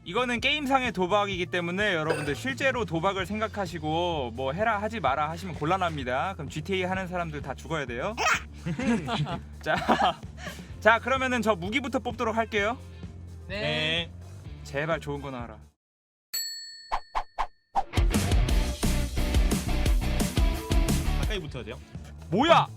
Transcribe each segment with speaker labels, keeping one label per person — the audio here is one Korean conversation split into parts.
Speaker 1: 이거는 게임상의 도박이기 때문에 여러분들 실제로 도박을 생각하시고 뭐 해라 하지 마라 하시면 곤란합니다. 그럼 GTA 하는 사람들 다 죽어야 돼요. 자 그러면은 저 무기부터 뽑도록 할게요.
Speaker 2: 네.
Speaker 1: 제발 좋은 거 나와라.
Speaker 2: 가까이 붙어야 돼요.
Speaker 1: 뭐야?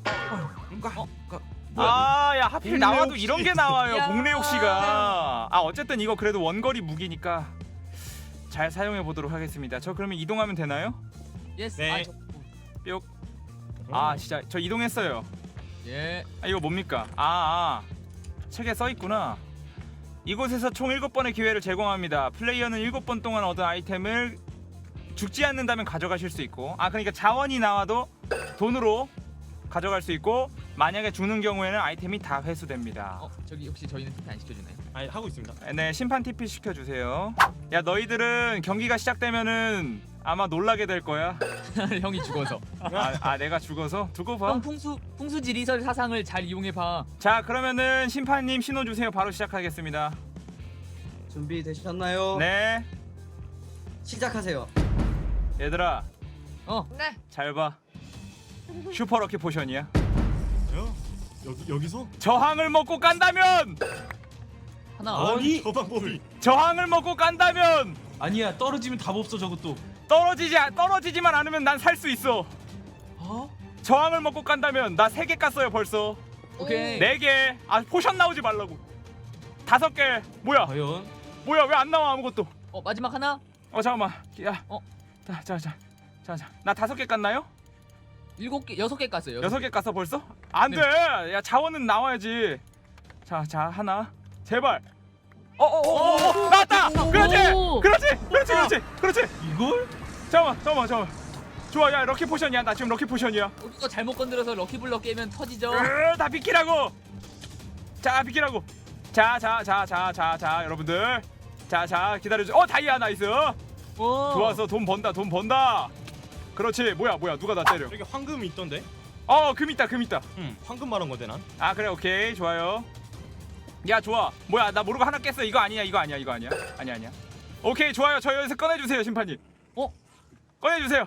Speaker 1: 야 하필 나와도 이런 게 나와요.
Speaker 3: 야.
Speaker 1: 복례옥 씨가. 어쨌든 이거 그래도 원거리 무기니까 잘 사용해 보도록 하겠습니다. 저 그러면 이동하면 되나요?
Speaker 3: 예스.
Speaker 2: 네.
Speaker 1: 뿅. 진짜 저 이동했어요.
Speaker 3: 예.
Speaker 1: 이거 뭡니까? 책에 써 있구나. 이곳에서 총 7번의 기회를 제공합니다. 플레이어는 7번 동안 얻은 아이템을 죽지 않는다면 가져가실 수 있고, 그러니까 자원이 나와도 돈으로 가져갈 수 있고, 만약에 죽는 경우에는 아이템이 다 회수됩니다.
Speaker 3: 저기 혹시 저희는 TP 안 시켜주나요?
Speaker 2: 하고 있습니다.
Speaker 1: 네, 심판 TP 시켜주세요. 야, 너희들은 경기가 시작되면은 아마 놀라게 될 거야.
Speaker 3: 형이 죽어서.
Speaker 1: 내가 죽어서? 두고 봐.
Speaker 3: 형 풍수 지리설 사상을 잘 이용해 봐.
Speaker 1: 자, 그러면은 심판님 신호 주세요. 바로 시작하겠습니다.
Speaker 4: 준비되셨나요?
Speaker 1: 네,
Speaker 4: 시작하세요.
Speaker 1: 얘들아,
Speaker 3: 네.
Speaker 1: 잘 봐. 슈퍼 럭키 포션이야.
Speaker 2: 여기서?
Speaker 1: 저항을 먹고 깐다면!
Speaker 3: 하나.
Speaker 2: 아니 저 방법이.
Speaker 1: 저항을 먹고 깐다면!
Speaker 5: 아니야, 떨어지면 답 없어 저것도.
Speaker 1: 떨어지지만 않으면 난 살 수 있어. 저항을 먹고 깐다면 나 3개 깠어요 벌써.
Speaker 3: 오케이.
Speaker 1: 4개. 포션 나오지 말라고. 5개. 뭐야?
Speaker 5: 과연?
Speaker 1: 뭐야? 왜 안 나와 아무것도?
Speaker 3: 마지막 하나.
Speaker 1: 잠깐만. 야.
Speaker 3: 어?
Speaker 1: 자. 나 5개 깠나요?
Speaker 3: 7개, 6개 깠어요.
Speaker 1: 6개 깠어 벌써? 안 돼. 야, 자원은 나와야지. 자, 하나. 제발. 나왔다. 그렇지.
Speaker 5: 이걸?
Speaker 1: 잠깐만. 좋아. 야, 럭키 포션이야. 나 지금 럭키 포션이야.
Speaker 3: 이거 잘못 건드려서 럭키블럭 깨면 터지죠.
Speaker 1: 다 비키라고. 자, 비키라고. 자, 여러분들. 자, 기다려줘. 다이아 나이스. 좋았어. 돈 번다. 그렇지. 뭐야? 누가 나 때려?
Speaker 2: 여기 황금이 있던데.
Speaker 1: 금 있다.
Speaker 2: 황금 말한 건데 난.
Speaker 1: 그래, 오케이. 좋아요. 야, 좋아. 뭐야? 나 모르고 하나 깼어. 이거 아니야. 아니야. 오케이, 좋아요. 저 여기서 꺼내주세요, 심판님. 꺼내주세요.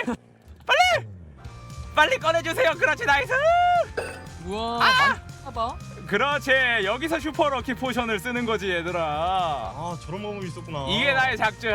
Speaker 1: 빨리 꺼내주세요. 그렇지, 나이스.
Speaker 3: 우와. 많이 봐.
Speaker 1: 그렇지. 여기서 슈퍼 럭키 포션을 쓰는 거지, 얘들아.
Speaker 2: 저런 방법이 있었구나.
Speaker 1: 이게 나의 작전.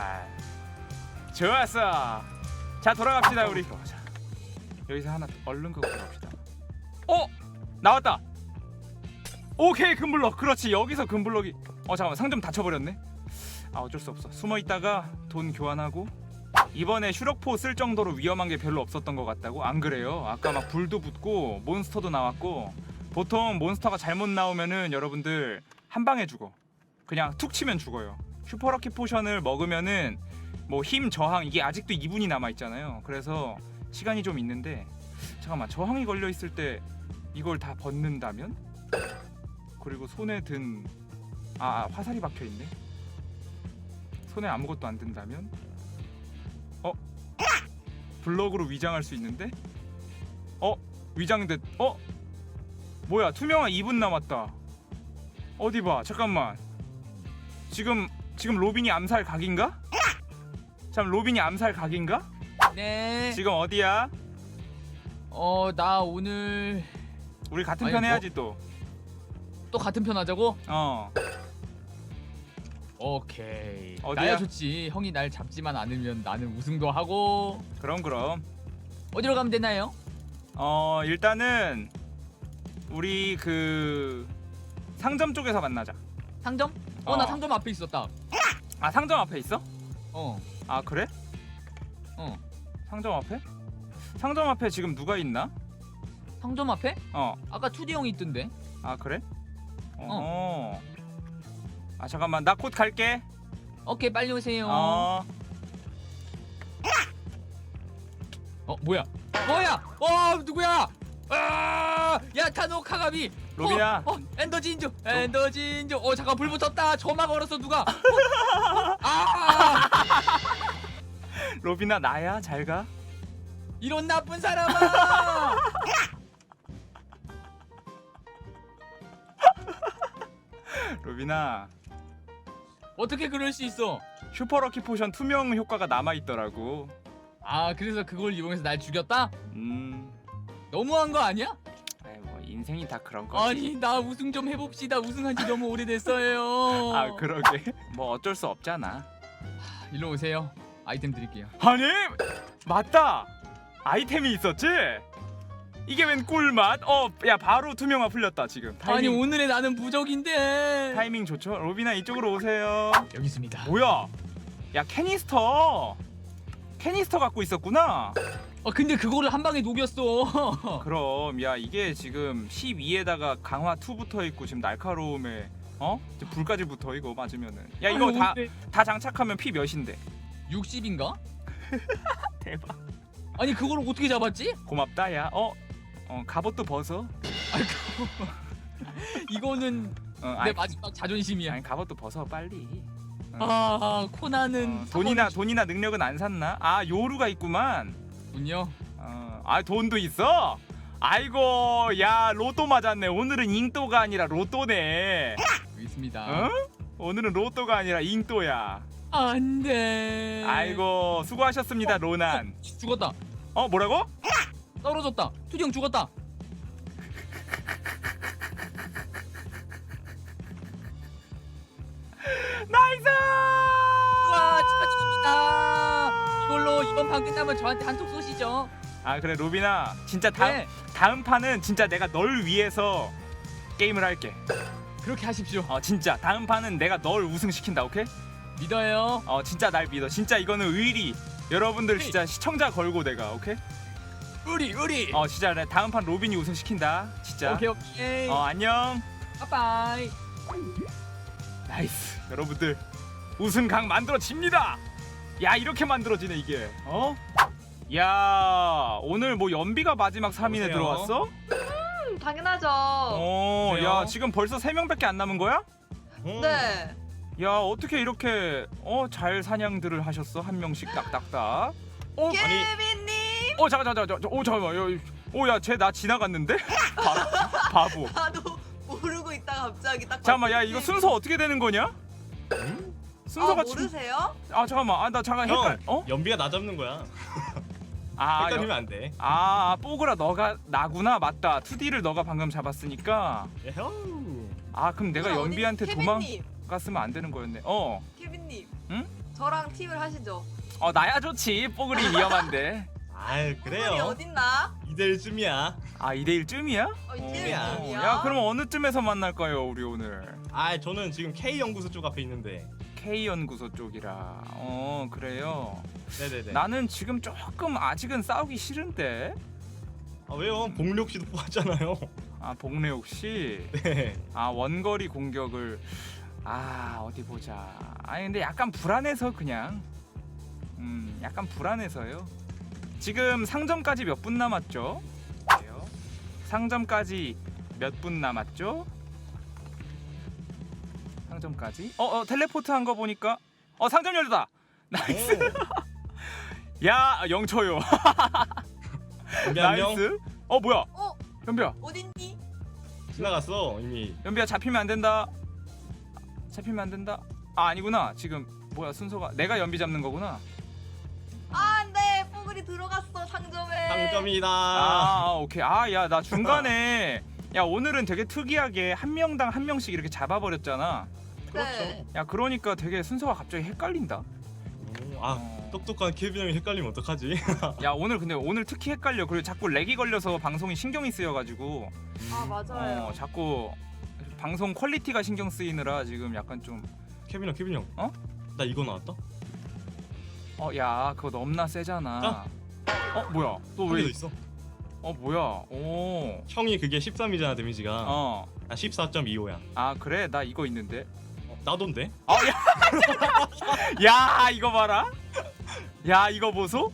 Speaker 1: 좋았어. 자, 돌아갑시다 우리. 여기서 하나 얼른 끄고 갑시다. 나왔다. 오케이, 금블럭. 그렇지. 여기서 금블럭이. 잠깐만, 상점 닫혀버렸네. 어쩔 수 없어. 숨어 있다가 돈 교환하고. 이번에 슈럭포 쓸 정도로 위험한 게 별로 없었던 것 같다고? 안 그래요. 아까 막 불도 붙고 몬스터도 나왔고. 보통 몬스터가 잘못 나오면은 여러분들 한 방에 죽어. 그냥 툭 치면 죽어요. 슈퍼럭키 포션을 먹으면은 뭐 힘 저항 이게 아직도 2분이 남아 있잖아요. 그래서 시간이 좀 있는데, 잠깐만, 저항이 걸려 있을 때 이걸 다 벗는다면? 그리고 손에 든 화살이 박혀 있네. 손에 아무것도 안 든다면? 블럭으로 위장할 수 있는데? 위장됐. 뭐야? 투명한 2분 남았다. 어디 봐. 잠깐만. 지금 로빈이 암살 각인가? 로빈이 암살 각인가?
Speaker 3: 네.
Speaker 1: 지금 어디야?
Speaker 3: 나 오늘
Speaker 1: 우리 같은
Speaker 3: 아니,
Speaker 1: 편
Speaker 3: 뭐-
Speaker 1: 해야지 또.
Speaker 3: 또 같은 편 하자고? 오케이.
Speaker 1: 어디야?
Speaker 3: 나야 좋지. 형이 날 잡지만 않으면 나는 우승도 하고.
Speaker 1: 그럼.
Speaker 3: 어디로 가면 되나요?
Speaker 1: 일단은 우리 그 상점 쪽에서 만나자.
Speaker 3: 상점? 나 상점 앞에 있었다.
Speaker 1: 상점 앞에 있어?
Speaker 3: 어.
Speaker 1: 그래? 상점 앞에? 상점 앞에 지금 누가 있나?
Speaker 3: 상점 앞에? 아까 2D 형이 있던데.
Speaker 1: 그래? 잠깐만, 나 곧 갈게.
Speaker 3: 오케이, 빨리 오세요. 뭐야? 누구야? 야, 타노 카가미.
Speaker 1: 로빈아.
Speaker 3: 엔더 진주. 잠깐, 불 붙었다. 점막 얼었어 누가?
Speaker 1: 로빈아, 나야. 잘 가.
Speaker 3: 이런 나쁜 사람아.
Speaker 1: 로빈아,
Speaker 3: 어떻게 그럴 수 있어?
Speaker 1: 슈퍼럭키 포션 투명 효과가 남아있더라고.
Speaker 3: 아 그래서 그걸 이용해서 날 죽였다?
Speaker 1: 음.
Speaker 3: 너무한 거 아니야?
Speaker 1: 아이 뭐 인생이 다 그런 거지.
Speaker 3: 아니 나 우승 좀 해봅시다. 우승한 지 너무 오래됐어요.
Speaker 1: 아 그러게. 뭐 어쩔 수 없잖아.
Speaker 3: 일로 오세요. 아이템 드릴게요.
Speaker 1: 아니 맞다. 아이템이 있었지? 이게 웬 꿀맛? 야 바로 투명화 풀렸다 지금.
Speaker 3: 아니
Speaker 1: 타이밍,
Speaker 3: 오늘의 나는 부적인데.
Speaker 1: 타이밍 좋죠? 로비나 이쪽으로 오세요.
Speaker 3: 여기 있습니다.
Speaker 1: 뭐야? 야 캐니스터. 캐니스터 갖고 있었구나.
Speaker 3: 근데 그거를 한 방에 녹였어.
Speaker 1: 그럼 야 이게 지금 12에다가 강화 2 붙어 있고 지금 날카로움에 이제 불까지 붙어 이거 맞으면은. 야 이거 다 장착하면 피 몇인데?
Speaker 3: 60인가?
Speaker 1: 대박.
Speaker 3: 아니 그걸 어떻게 잡았지?
Speaker 1: 고맙다 야. 갑옷도 벗어.
Speaker 3: 이거는 내
Speaker 1: 아니,
Speaker 3: 마지막 자존심이야.
Speaker 1: 아니 갑옷도 벗어 빨리.
Speaker 3: 코나는
Speaker 1: 돈이나 능력은 안 샀나? 아 요루가 있구만.
Speaker 3: 군요.
Speaker 1: 돈도 있어? 아이고 야 로또 맞았네. 오늘은 잉또가 아니라 로또네.
Speaker 3: 여기 있습니다.
Speaker 1: 어? 오늘은 로또가 아니라 잉또야.
Speaker 3: 안돼.
Speaker 1: 아이고 수고하셨습니다 로난.
Speaker 3: 죽었다.
Speaker 1: 뭐라고?
Speaker 3: 떨어졌다. 투정 죽었다.
Speaker 1: 나이스!
Speaker 3: 와 축하드립니다. 이걸로 이번 판 끝나면 저한테 한턱 쏘시죠.
Speaker 1: 아 그래 로빈아 진짜
Speaker 3: 네.
Speaker 1: 다음 판은 진짜 내가 널 위해서 게임을 할게.
Speaker 3: 그렇게 하십시오.
Speaker 1: 진짜 다음 판은 내가 널 우승시킨다. 오케이?
Speaker 3: 믿어요.
Speaker 1: 진짜 날 믿어. 진짜 이거는 의리. 여러분들 진짜 시청자 걸고 내가 오케이?
Speaker 3: 우리
Speaker 1: 진짜 내 다음 판 로빈이 우승시킨다. 진짜.
Speaker 3: 오케이.
Speaker 1: 안녕.
Speaker 3: 빠빠이.
Speaker 1: 나이스. 여러분들 우승각 만들어집니다. 야 이렇게 만들어지네 이게. 야 오늘 뭐 연비가 마지막 3인에
Speaker 2: 오세요.
Speaker 1: 들어왔어?
Speaker 6: 당연하죠.
Speaker 1: 야 지금 벌써 3명밖에 안 남은 거야?
Speaker 6: 네.
Speaker 1: 야 어떻게 이렇게 잘 사냥들을 하셨어? 한 명씩 딱딱딱.
Speaker 6: 케빈님.
Speaker 1: 잠깐만. 야쟤 나 지나갔는데? 바보.
Speaker 6: 나도 모르고 있다가 갑자기 딱.
Speaker 1: 잠깐만 야
Speaker 6: 봤더니
Speaker 1: 이거 순서 어떻게 되는 거냐? 순서가
Speaker 6: 모르세요?
Speaker 1: 잠깐만. 나 잠깐 헷갈.
Speaker 2: 연비가 나 잡는 거야. 헷갈리면 안 돼.
Speaker 1: 뽀글아 너가 나구나. 맞다. 2D를 너가 방금 잡았으니까.
Speaker 2: 에허우.
Speaker 1: 그럼 내가
Speaker 6: 어디-
Speaker 1: 연비한테
Speaker 6: 케빈님,
Speaker 1: 도망갔으면 안 되는 거였네.
Speaker 6: 케빈님.
Speaker 1: 응?
Speaker 6: 저랑 팀을 하시죠.
Speaker 1: 나야 좋지. 뽀글이 위험한데.
Speaker 2: 아유
Speaker 6: 뽀글이
Speaker 2: 그래요.
Speaker 6: 어딨나?
Speaker 2: 2대1쯤이야.
Speaker 1: 2대1쯤이야?
Speaker 2: 야.
Speaker 1: 야 그럼 어느 쯤에서 만날까요 우리 오늘?
Speaker 2: 저는 지금 K 연구소 쪽 앞에 있는데.
Speaker 1: K연구소 쪽이라. 그래요.
Speaker 2: 네네네.
Speaker 1: 나는 지금 조금 아직은 싸우기 싫은데.
Speaker 2: 왜요? 복력 씨도 뽑았잖아요.
Speaker 1: 복래옥 씨.
Speaker 2: 네.
Speaker 1: 원거리 공격을. 어디 보자. 근데 약간 불안해서 그냥. 약간 불안해서요. 지금 상점까지 몇 분 남았죠? 그래요? 상점까지 몇 분 남았죠? 상점까지? 텔레포트 한 거 보니까 상점 열렸다. 나이스. 야 영초요.
Speaker 2: 연비 한 명.
Speaker 1: 나이스. 뭐야? 연비야.
Speaker 6: 어딨니?
Speaker 2: 지나갔어 이미.
Speaker 1: 연비야 잡히면 안 된다. 아니구나. 지금 뭐야 순서가 내가 연비 잡는 거구나.
Speaker 6: 안돼. 뽀글이 들어갔어 상점에.
Speaker 2: 상점이다.
Speaker 1: 오케이. 야 나 중간에 야 오늘은 되게 특이하게 한 명당 한 명씩 이렇게 잡아버렸잖아.
Speaker 6: 네.
Speaker 1: 야 그러니까 되게 순서가 갑자기 헷갈린다.
Speaker 2: 똑똑한 케빈 형이 헷갈리면 어떡하지?
Speaker 1: 야 오늘 근데 오늘 특히 헷갈려. 그리고 자꾸 렉이 걸려서 방송이 신경이 쓰여가지고
Speaker 6: 맞아요.
Speaker 1: 자꾸 방송 퀄리티가 신경 쓰이느라 지금 약간 좀.
Speaker 2: 케빈 형.
Speaker 1: 어?
Speaker 2: 나 이거 나왔다.
Speaker 1: 야 그거 너무나 세잖아. 뭐야? 또
Speaker 2: 한 개
Speaker 1: 왜?
Speaker 2: 더 있어.
Speaker 1: 뭐야? 오.
Speaker 2: 형이 그게 13이잖아 데미지가.
Speaker 1: 나
Speaker 2: 14.25야.
Speaker 1: 그래 나 이거 있는데.
Speaker 2: 나돈데?
Speaker 1: 야 이거 봐라. 야 이거 보소.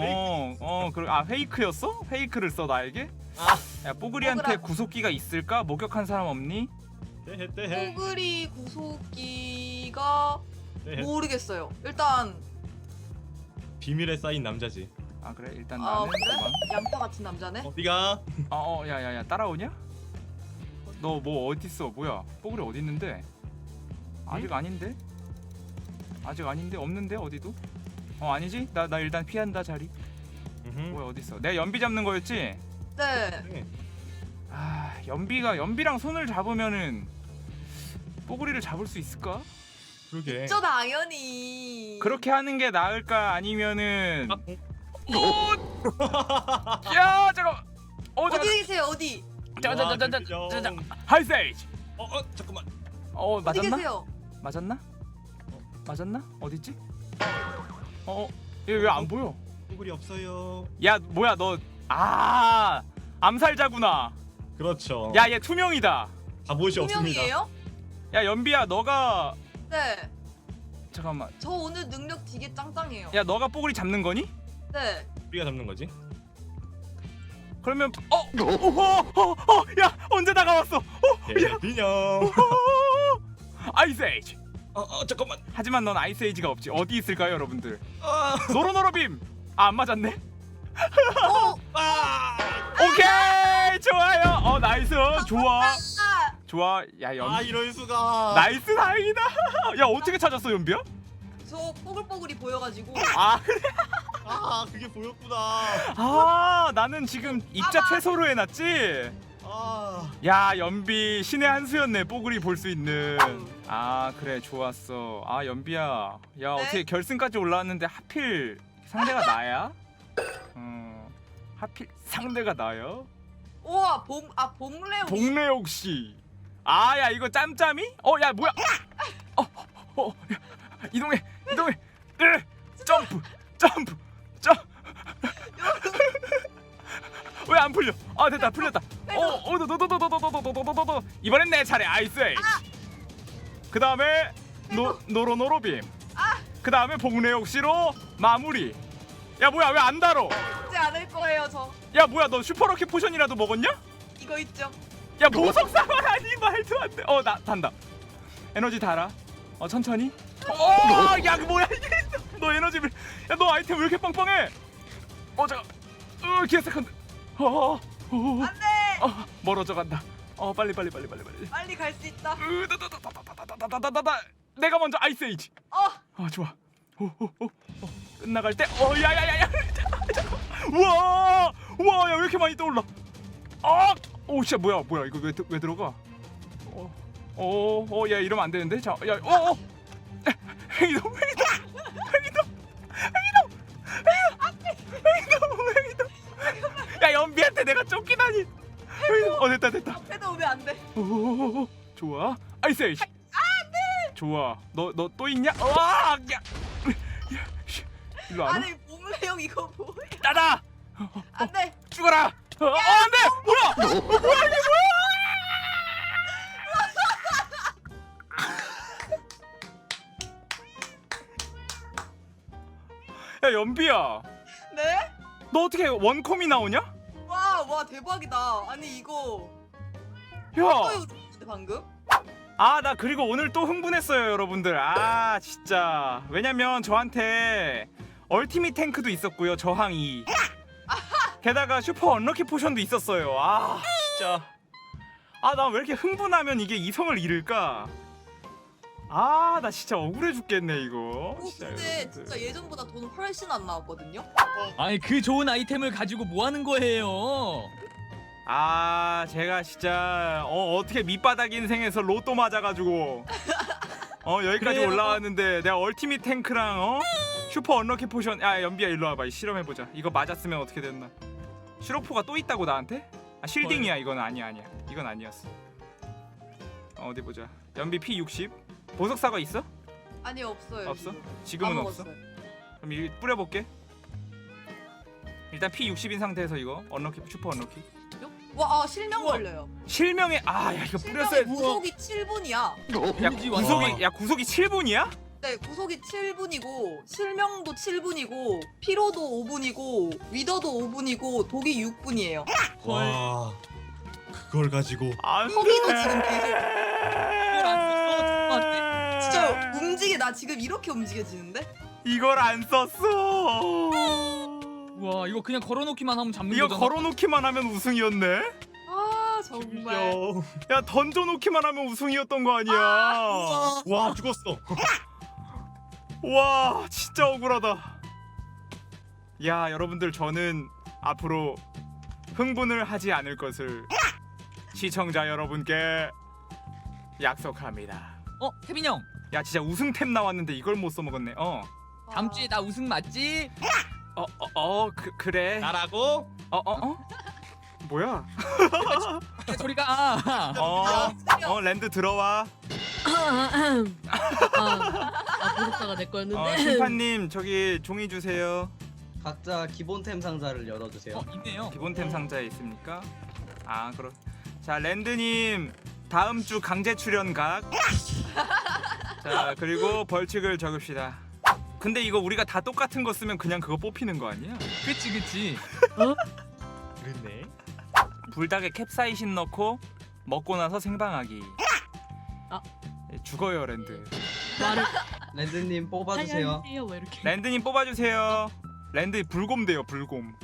Speaker 1: 페이크였어? 페이크를 써 나에게? 야 뽀글이한테
Speaker 6: 뽀글아.
Speaker 1: 구속기가 있을까? 목격한 사람 없니?
Speaker 2: 떼해.
Speaker 6: 뽀글이 구속기가
Speaker 2: 떼해.
Speaker 6: 모르겠어요. 일단
Speaker 2: 비밀에 쌓인 남자지.
Speaker 1: 그래 일단 나는
Speaker 6: 그래?
Speaker 1: 도망.
Speaker 6: 양파 같은 남자네.
Speaker 2: 네가
Speaker 1: 야야야 따라오냐? 너 뭐 어딨어? 뭐야? 뽀글이 어디 있는데? 아직 아닌데? 아직 아닌데 없는데 어디도? 아니지? 나 일단 피한다 자리. 뭐야 어디 있어? 내가 연비 잡는 거였지?
Speaker 6: 네.
Speaker 1: 아 연비랑 손을 잡으면은 뽀글이를 잡을 수 있을까?
Speaker 2: 그러게.
Speaker 6: 저 당연히.
Speaker 1: 그렇게 하는 게 나을까 아니면은
Speaker 2: 아,
Speaker 1: 야 잠깐.
Speaker 6: 어디
Speaker 1: 잠깐.
Speaker 6: 계세요? 어디?
Speaker 1: 자자자자자자. 하이세이지.
Speaker 2: 잠깐만.
Speaker 6: 어디
Speaker 1: 맞았나?
Speaker 6: 계세요?
Speaker 1: 맞았나? 맞았나? 어디 있지? 얘 왜 안 보여?
Speaker 2: 뽀글이 없어요.
Speaker 1: 야 뭐야 너 암살자구나.
Speaker 2: 그렇죠.
Speaker 1: 야 얘 투명이다.
Speaker 2: 갑옷이 없습니다.
Speaker 6: 분명이에요?
Speaker 1: 야 연비야 너가
Speaker 6: 네.
Speaker 1: 잠깐만.
Speaker 6: 저 오늘 능력 되게 짱짱해요.
Speaker 1: 야 너가 뽀글이 잡는 거니?
Speaker 6: 네.
Speaker 2: 우리가 잡는 거지?
Speaker 1: 그러면 야 언제 다가왔어?
Speaker 2: 개빈형.
Speaker 1: 아이스에이지.
Speaker 2: 잠깐만.
Speaker 1: 하지만 넌 아이스에이지가 없지. 어디 있을까요 여러분들?
Speaker 2: 아,
Speaker 1: 노로노로빔. 안 맞았네.
Speaker 6: 어.
Speaker 1: 오케이 좋아요. 나이스 좋아. 좋아. 야 연비.
Speaker 2: 이럴 수가.
Speaker 1: 나이스 다행이다. 야 어떻게 찾았어 연비야?
Speaker 6: 저 뽀글뽀글이 보여가지고.
Speaker 1: 그래?
Speaker 2: 그게 보였구나.
Speaker 1: 나는 지금 입자 최소로 해놨지. 야 연비 신의 한 수였네. 뽀글이 볼 수 있는. 그래 좋았어. 연비야. 야
Speaker 6: 네?
Speaker 1: 어떻게 결승까지 올라왔는데 하필 상대가 나야? 하필 상대가 나요?
Speaker 6: 우와 봉래오.
Speaker 1: 동래옥 씨. 야 이거 짬짬이? 야 뭐야? 야, 이동해. 점프. 왜 안 풀려? 됐다 풀렸다. 너너너너너너너너너너 이번엔 내 차례. 아이스 에이지. 그 다음에 노로노로빔. 그 다음에 봉래옥 씨로 마무리. 야 뭐야 왜 안 달어?
Speaker 6: 죽지 않을 거예요 저.
Speaker 1: 야 뭐야 너 슈퍼러키 포션이라도 먹었냐?
Speaker 6: 이거 있죠.
Speaker 1: 야 보석사관 아니 말도 안 돼. 나 단다. 에너지 달아. 천천히. 야 그 뭐야 이게? 너 에너지 야너 아이템 왜 이렇게 빵빵해? 잠깐. 기어 세컨드.
Speaker 6: 안돼.
Speaker 1: 멀어져 간다. 빨리.
Speaker 6: 빨리 갈 수 있다.
Speaker 1: 내가 먼저 아이스 에이지. 좋아. 끝나갈 때. 야야야야. 우와 야 왜 이렇게 많이 떠올라? 진짜 뭐야 이거 왜 들어가? 야 이러면 안 되는데. 자, 야, 행동. 야 연비한테 내가 쫓기다니. 됐다.
Speaker 6: 해도 오면 안 돼.
Speaker 1: 좋아. 아이스 에이지. 안돼. 좋아. 너 또 있냐? 야. 일로 안 와?
Speaker 6: 아니 봉래오 이거 뭐야?
Speaker 1: 따다.
Speaker 6: 안돼.
Speaker 1: 죽어라. 안돼. 뭐야 이게 뭐야? 야 연비야.
Speaker 6: 네?
Speaker 1: 너 어떻게 원콤이 나오냐?
Speaker 6: 와 대박이다. 아니 이거
Speaker 1: 야.
Speaker 6: 또 방금?
Speaker 1: 나 그리고 오늘 또 흥분했어요 여러분들. 진짜 왜냐면 저한테 얼티밋 탱크도 있었고요 저항 2. 게다가 슈퍼 언럭키 포션도 있었어요. 진짜 나 왜 이렇게 흥분하면 이게 이성을 잃을까? 나 진짜 억울해 죽겠네 이거.
Speaker 6: 근데
Speaker 1: 여러분들.
Speaker 6: 진짜 예전보다 돈 훨씬 안 나왔거든요?
Speaker 3: 아니 그 좋은 아이템을 가지고 뭐 하는 거예요?
Speaker 1: 제가 진짜 어떻게 밑바닥 인생에서 로또 맞아가지고 여기까지
Speaker 3: 그래요?
Speaker 1: 올라왔는데 내가 얼티밋 탱크랑 슈퍼 언럭키 포션. 연비야 일로 와봐. 실험해보자. 이거 맞았으면 어떻게 됐나. 슈로포가 또 있다고 나한테? 쉴딩이야. 이건 아니야. 이건 아니었어. 어디 보자. 연비 P60. 보석사과 있어?
Speaker 6: 아니 없어요.
Speaker 1: 없어?
Speaker 6: 지금.
Speaker 1: 지금은
Speaker 6: 다
Speaker 1: 없어?
Speaker 6: 먹었어요.
Speaker 1: 그럼 이 뿌려볼게. 일단 P60인 상태에서 이거 언럭키 슈퍼 언럭키.
Speaker 6: 실명 걸려요.
Speaker 1: 실명에 야 이거 뿌렸어야.
Speaker 6: 구속이 7분이야.
Speaker 3: 데미지 완전.
Speaker 1: 구속이 7분이야?
Speaker 6: 네, 구속이 7분이고 실명도 7분이고 피로도 5분이고 위더도 5분이고 독이 6분이에요.
Speaker 2: 와, 그걸 가지고.
Speaker 6: 허기도 지금 계속.
Speaker 3: 이걸 안 썼어 저한테.
Speaker 6: 진짜 나 지금 이렇게 움직여지는데?
Speaker 1: 이걸 안 썼어.
Speaker 3: 와 이거 그냥 걸어놓기만 하면 잡는
Speaker 1: 이거
Speaker 3: 거잖아.
Speaker 1: 걸어놓기만 하면 우승이었네.
Speaker 6: 정말.
Speaker 1: 야 던져놓기만 하면 우승이었던 거 아니야.
Speaker 2: 와, 죽었어.
Speaker 1: 와 진짜 억울하다. 야 여러분들 저는 앞으로 흥분을 하지 않을 것을 시청자 여러분께 약속합니다.
Speaker 3: 태빈 형.
Speaker 1: 야 진짜 우승템 나왔는데 이걸 못 써먹었네.
Speaker 3: 다음 주에 나 우승 맞지?
Speaker 1: 그래.
Speaker 2: 나라고?
Speaker 1: 뭐야?
Speaker 3: 저리 가.
Speaker 1: 랜드 들어와.
Speaker 7: 보석사가 내 거였는데.
Speaker 1: 심판님 저기 종이 주세요.
Speaker 4: 각자 기본템 상자를 열어주세요.
Speaker 3: 있네요.
Speaker 1: 기본템 상자에 있습니까? 그럼 자 랜드님 다음 주 강제 출연 각. 자 그리고 벌칙을 적읍시다. 근데 이거 우리가 다 똑같은 거 쓰면 그냥 그거 뽑히는 거 아니야?
Speaker 3: 그치.
Speaker 2: 그랬네.
Speaker 1: 불닭에 캡사이신 넣고 먹고 나서 생방하기. 죽어요 랜드.
Speaker 7: 말을
Speaker 4: 랜드님 뽑아주세요.
Speaker 7: 하세요. 뭐 이렇게.
Speaker 1: 랜드님 뽑아주세요. 랜드 불곰 돼요 불곰.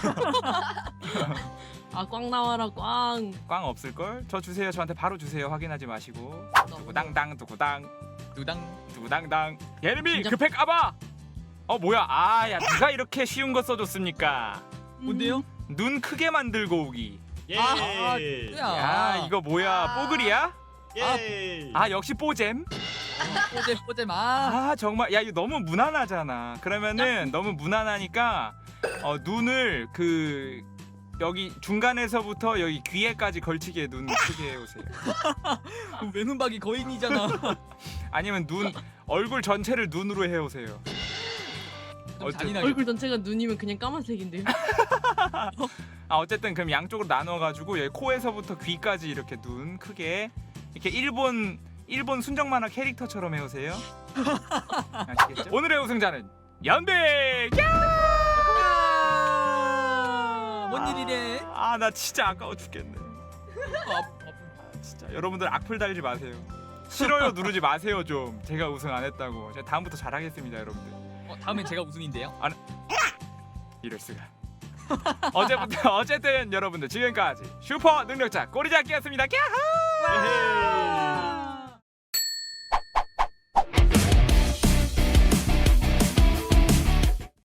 Speaker 7: 꽝 나와라 꽝.
Speaker 1: 꽝 없을걸? 저 주세요. 저한테 바로 주세요. 확인하지 마시고. 두구당당 두구당
Speaker 3: 두당.
Speaker 1: 두구당당. 예림이
Speaker 7: 진짜-
Speaker 1: 급해 까봐. 뭐야? 야 누가 이렇게 쉬운 거 써줬습니까?
Speaker 3: 뭔데요?
Speaker 1: 눈 크게 만들고 오기.
Speaker 2: 예.
Speaker 1: 야 이거 뭐야? 뽀글이야?
Speaker 2: 예.
Speaker 1: 역시 뽀잼.
Speaker 3: 뽀잼.
Speaker 1: 정말 야 이거 너무 무난하잖아. 그러면은 너무 무난하니까 눈을 여기 중간에서부터 여기 귀에까지 걸치게 눈 크게 해오세요.
Speaker 3: 외눈박이 거인이잖아.
Speaker 1: 아니면 얼굴 전체를 눈으로 해오세요.
Speaker 3: 좀 잔인하게.
Speaker 7: 얼굴 전체가 눈이면 그냥 까만색인데요.
Speaker 1: 어쨌든 그럼 양쪽으로 나눠가지고 여기 코에서부터 귀까지 이렇게 눈 크게 이렇게 일본 순정 만화 캐릭터처럼 해오세요. 아시겠죠? 오늘의 우승자는 연백.
Speaker 3: 뭔 일이래?
Speaker 1: 나 진짜 아까워 죽겠네. 진짜 여러분들 악플 달지 마세요. 싫어요 누르지 마세요 좀. 제가 우승 안 했다고. 제가 다음부터 잘하겠습니다 여러분들.
Speaker 3: 다음엔 제가 우승인데요.
Speaker 1: 이럴 수가. 어쨌든 여러분들 지금까지 슈퍼 능력자 꼬리잡기였습니다. 꺄하!